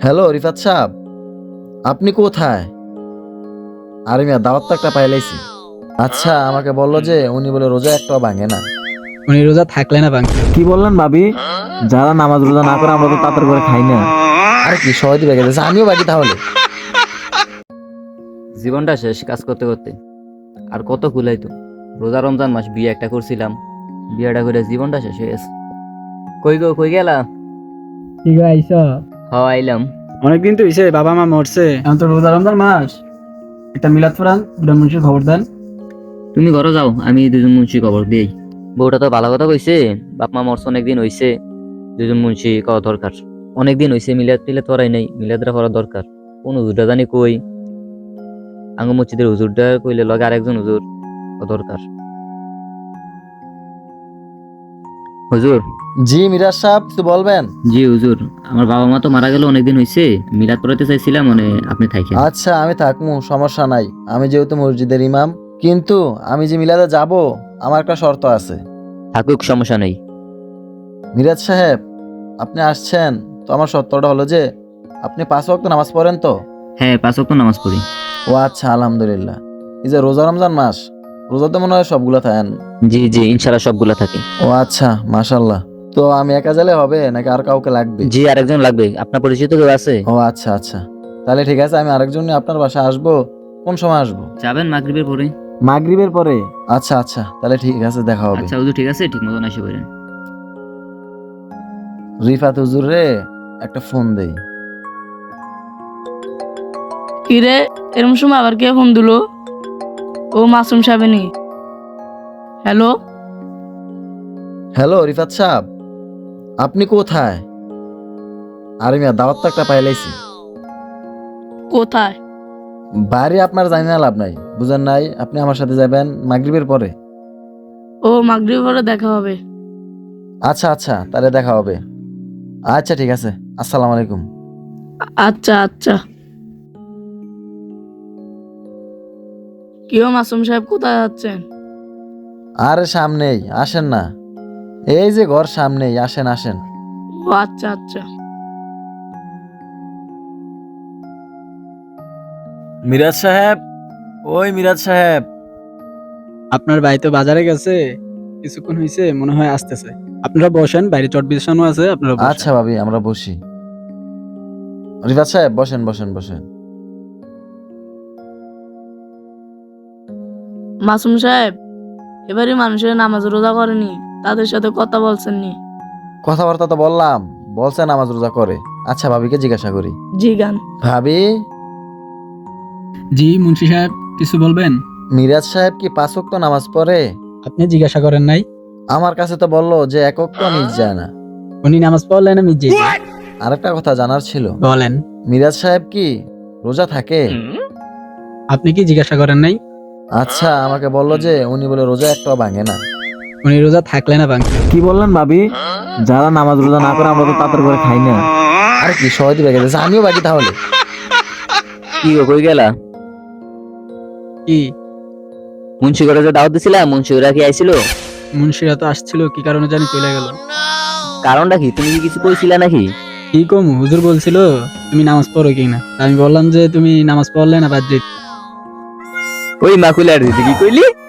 Hello Rifat সাহেব, আপনি কোথায়? আরে মিয়া, দাওয়াত তো একটা পাইলাইছি। আচ্ছা, আমাকে বললো যে উনি বলে রোজা একটাও ভাঙে না। উনি রোজা থাকলে না ভাঙ। কি বললেন ভাবি? যারা নামাজ রোজা না করে আমরা তো তাড়াতাড়ি করে খাই না। আরে কি সবাই বেগে যাচ্ছে, আমিও বাকি তাহলে। জীবনটা শেষ কাজ করতে করতে। আর কত কুলাইতো। রোজা রমজান মাস বিয়ে একটা করছিলাম, বিয়েটা করে জীবনটা শেষ হয়ে গেছে। কই গো, কই গেলা? ঠিক আছে, আইলাম। অনেকদিন তো হইছে, বাবা মা মরছে, এখন তো রোজা রমজান মাস। একটা মিলাদ ফরান দুটা মুন্সির খবর দেন। তুমি ঘরে যাও, আমি দুজন মুন্সি খবর দিই। বউটা তো ভালো কথা কইছে, বাপ মা মরছে অনেকদিন হইছে, দুজন মুন্সি কওয়া দরকার। অনেকদিন হইছে, মিলাদ টিলাদ করাই নাই, মিলাদরা করা দরকার। কোন হুজুরটা জানি কই, আঙ্গ মসজিদের হুজুরটা কইলে লগে আরেকজন হুজুর দরকার। হুজুর। জি মিরাজ সাহেব, কিছু বলবেন? জি হুজুর, আমার বাবা মা তো মারা গেল অনেকদিন হইছে, মিলাদ পড়াইতে চাইছিলাম, মানে আপনি থাকেন। আচ্ছা, আমি থাকবো, সমস্যা নাই। আমি যেহেতু মসজিদের ইমাম, কিন্তু আমি যে মিলাদে যাব, আমার একটা শর্ত আছে। থাকুক, সমস্যা নেই। মিরাজ সাহেব, আপনি আসছেন তো, আমার শর্তটা হলো যে আপনি 5 ওয়াক্ত নামাজ পড়েন তো? হ্যাঁ, 5 ওয়াক্ত নামাজ পড়ি। ও আচ্ছা, আলহামদুলিল্লাহ। এই যে রোজা রমজান মাস, রোজাতে মনে হয় সবগুলা থাকেন? জি জি, ইনশাআল্লাহ সবগুলা থাকে। ও আচ্ছা, মাশাল্লাহ। তো আমি একা গেলে হবে নাকি আর কাউকে লাগবে? জি, আরেকজন লাগবে। আপনার পরিচিত কেউ আছে? ও আচ্ছা আচ্ছা, তাহলে ঠিক আছে, আমি আরেকজন নিয়ে আপনার বাসায় আসবো। কোন সময় আসবো? যাবেন মাগরিবের পরে। মাগরিবের পরে? আচ্ছা আচ্ছা, তাহলে ঠিক আছে, দেখা হবে। আচ্ছা হুজুর, ঠিক আছে, ঠিক মতন এসে পড়েন। রিফাত হুজুর রে একটা ফোন দেই। কিরে, এরম সময় আবার কে ফোন দিলো? ও মাসুম সাহেবনি। হ্যালো। হ্যালো রিফাত সাহেব, আপনি কোথায়? আরে মিয়া, দাওয়াত তো একটা পাইলাইছি। কোথায়? বাড়ি আপনার জানি না, লাভ নাই, বুঝেন নাই? আপনি আমার সাথে যাবেন মাগরিবের পরে। ও মাগরিব পরে দেখা হবে। আচ্ছা আচ্ছা, তাহলে দেখা হবে। আচ্ছা ঠিক আছে, আসসালামু আলাইকুম। আচ্ছা আচ্ছা। কিও মাসুম সাহেব, কোথায় যাচ্ছেন? আরে সামনেই, আসেন না। এই যে ঘর সামনেই, আসেন আসেন। ও আচ্ছা আচ্ছা। মিরাজ সাহেব, ওই মিরাজ সাহেব। আপনার ভাই তো বাজারে গেছে, কিছুক্ষণ হইছে, মনে হয় আসতেছে। আপনারা বসেন, বাইরে চট বিছানো আছে, আপনারা বসেন। আচ্ছা ভাবি, আমরা বসি। রিফাত সাহেব, বসেন বসেন বসেন। মাসুম সাহেব, এবারে মানুষের নামাজ রোজা করেনি, তাদের সাথে কথা বলছেন নি? কথাবার্তা তো বললাম, বলছে নামাজ রোজা করে। আচ্ছা, ভাবিকে জিজ্ঞাসা করি। জি গান। ভাবি, জি মুন্সি সাহেব, কিছু বলবেন? মিরাজ সাহেব কি 5 ওয়াক্ত নামাজ পড়ে? আপনি জিজ্ঞাসা করেন নাই? আমার কাছে তো বললো যে 1 ওয়াক্ত মিস যায় না। উনি নামাজ পড়লেন, আমি জি। আরেকটা কথা জানার ছিল, বলেন। মিরাজ সাহেব কি রোজা থাকে? আপনি কি জিজ্ঞাসা করেন নাই? আচ্ছা, আমাকে বললো যে উনি বলে রোজা একটাও ভাঙে না। উনি রোজা থাকলে না ভাঙ। কি বললেন ভাবি? যারা নামাজ রোজা না করে আমরা তো তাড়াতাড়ি করে খাই না। আরে কি সবাই বেগে যাচ্ছে, আমিও বাকি তাহলে। কি গো, কই গেলা? কি মুন্সি ঘরে যে দাওয়াত দিছিলাম, মুন্সি ঘরে কি আইছিল? মুন্সিরা তো আসছিল, কি কারণে জানি চলে গেল। কারণটা কি? তুমি কি কিছু কইছিলা নাকি? কি কম, হুজুর বলছিল তুমি নামাজ পড়ো কিনা, আমি বললাম যে তুমি নামাজ পড়লে না বাদ দিতে। ওই মাকুলার দিদি কি কইলি?